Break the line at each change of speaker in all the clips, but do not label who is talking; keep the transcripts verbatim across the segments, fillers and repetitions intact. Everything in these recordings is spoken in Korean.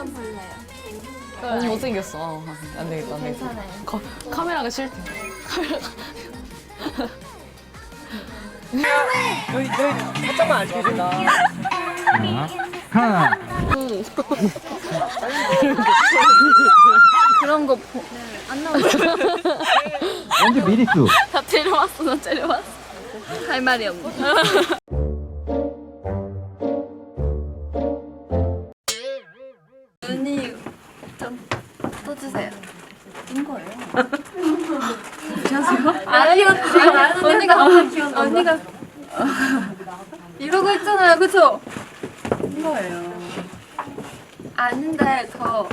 볼래요.
너무 못생겼어. 어, 안 되겠다, 안 되겠다.
괜찮아요.
거, 카메라가 싫대.
여기 여기 살짝만 안 찍어준다.
하나.
그런 거 보, 안 나오죠.
먼저 미리수.
다 데려왔어, 나 데려왔어. 할 말이 없네. 눈이 좀 떠주세요. 인 거예요? 괜찮으세요? 아니요, 언니가 언니가 이러고 있잖아요, 그쵸? 인 거예요. 아닌데 더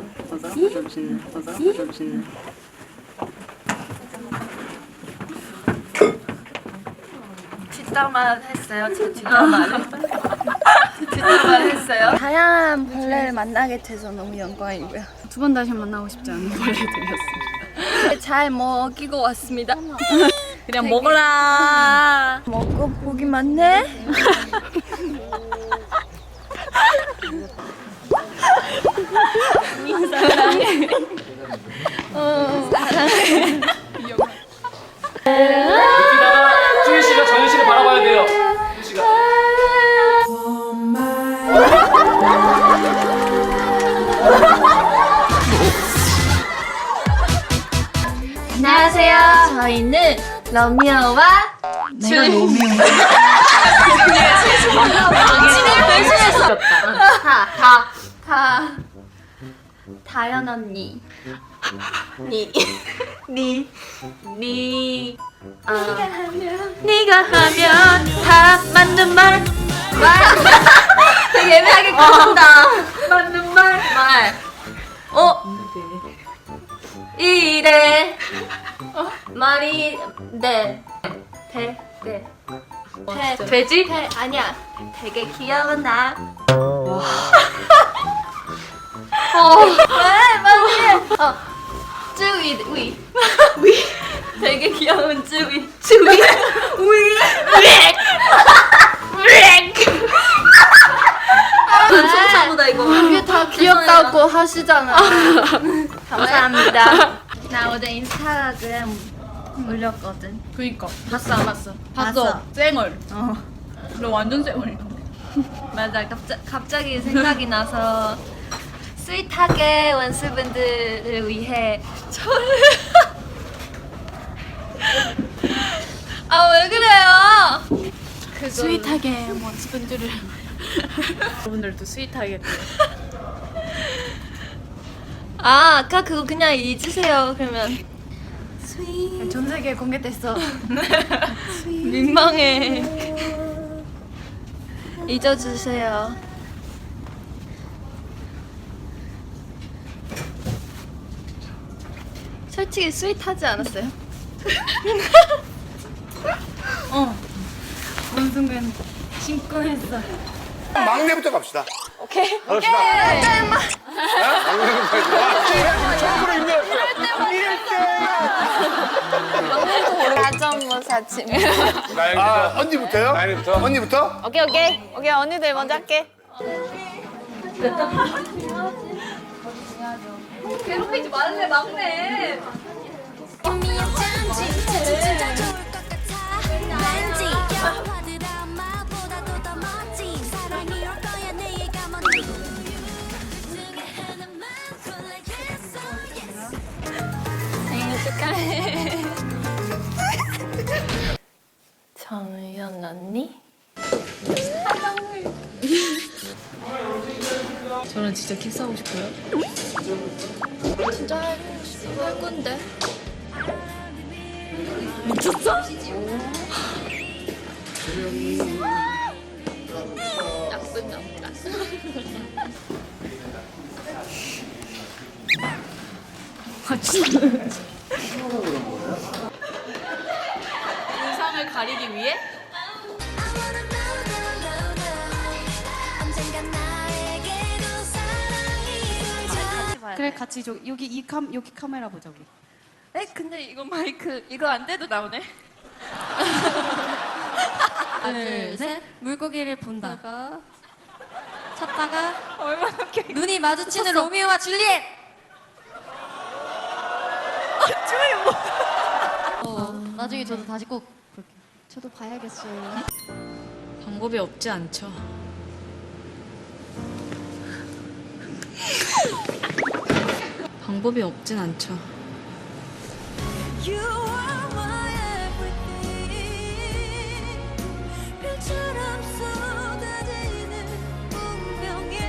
뒷담화 했어요. 저 뒷담화를 뒷담화 했어요. 다양한 벌레를 만나게 돼서 너무 영광이고요. 두 번 다시 만나고 싶지 않은 벌레들이었습니다. 잘 먹이고 왔습니다.
그냥 먹어라.
먹고 복이 많네. 사랑해. 어, 사랑해.
주희 씨가 정희 씨를 바라봐야 돼요. 주희 씨가.
안녕하세요. 저희는 러미어와
내가 로미오인가?
변신했어. 다, 다, 다. 다연 언니. 니. 니. 니. 어. 네가 하면 다 맞는 말. 말. 되게 애매하게 끊는다. 맞는 말. 말. 어? 이래. 말이 네. 돼. 네. 돼. 돼지? 돼. 아니야. 되게 귀여운 나. 어. 왜? 빨리 해. 어. 쭈위. 위. 위. 되게 귀여운 쭈위. 쭈위. 위. 렉. 렉. 순서보다 이거. 이게 다 귀엽다고 하시잖아. 감사합니다. 나 어제 인스타그램 올렸거든.
그니까. 봤어, 안 봤어? 봤어.
봤어.
쌩얼.
어.
너 완전 쌩얼이야.
맞아. 갑자, 갑자기 생각이 나서 스윗하게 원수분들을 위해 저를 아 왜 그래요? 그거...
스윗하게 원수분들을. 여러분들도 스윗하게.
아 아까 그거 그냥 잊으세요. 그러면
전 세계에 공개됐어.
민망해. 잊어주세요. 솔직히 스윗하지 않았어요?
어. 어느 순간 심쿵했어.
막내부터 갑시다.
오케이.
갑시다. 막내부터. 처음으로 임명했어요.
가정모사 침.
아, 언니부터요? 나연이부터. 언니부터?
오케이, 오케이. 오케이, 언니들 먼저 할게.
괴롭히지 말래 막내. 생일 축하해. 정연 언니?
저는 진짜 키스하고 싶어요.
진짜 할, 할 건데.
미쳤어?
나쁜 남자.
아, 진짜. 의상을 가리기 위해?
그래 같이 저, 여기 이 캄 여기 카메라 보자 우리.
에 근데 이거 마이크 이거 안 돼도 나오네.
하나 둘 셋. 물고기를 본다.
다가
찾다가 눈이 마주치는 로미오와 줄리엣. 아, 줄리엣 뭐? 어, 나중에 저도 다시 꼭 볼게요. 저도 봐야겠어요.
방법이 없지 않죠. 방법이 없진 않죠.
You are my everything. 별처럼 쏟아지는 운명에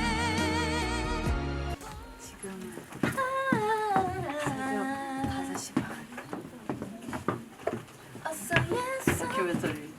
지금은 새벽 다섯 시 반. 다큐멘터리.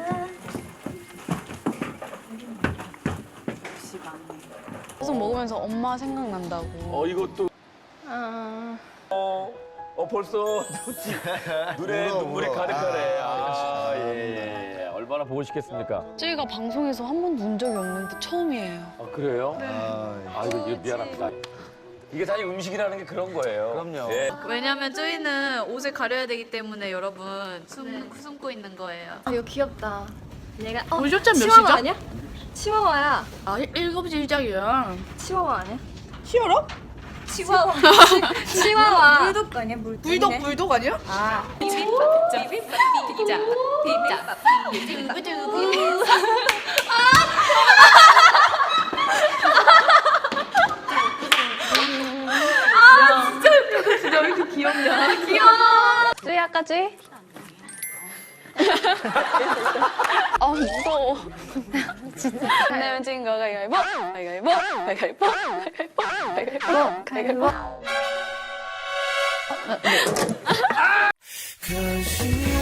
열 시 반.
계속 먹으면서 엄마 생각난다고.
어 이것도
아,
어, 어 벌써 눈에
울어,
눈물이
울어.
가득하네.
아,
아, 예, 예, 예. 얼마나 보고 싶겠습니까?
저희가 방송에서 한 번도 운 적이 없는데 처음이에요.
아 그래요?
아,
아 이거, 이거 미안합니다. 이게 사실 음식이라는 게 그런 거예요.
그럼요.
예.
왜냐면 저희는 옷을 가려야 되기 때문에 여러분 숨, 숨고 있는 거예요.
아, 이거 귀엽다. 얘가 어,
물조차 몇
치와와
시죠?
아니야? 치와와야.
아, 일곱 시 시작이야.
치와와 아니야?
히어로?
치와와. 치와와.
불독 아니야? 불독 불독 아니야?
아,
쯔야까지? 아 무서워. 진짜. 내면 진 거가 가위바위보, 가위바위보, 가위바위보, 가위바위보, 가위바위보, 가위바위보.
Cause you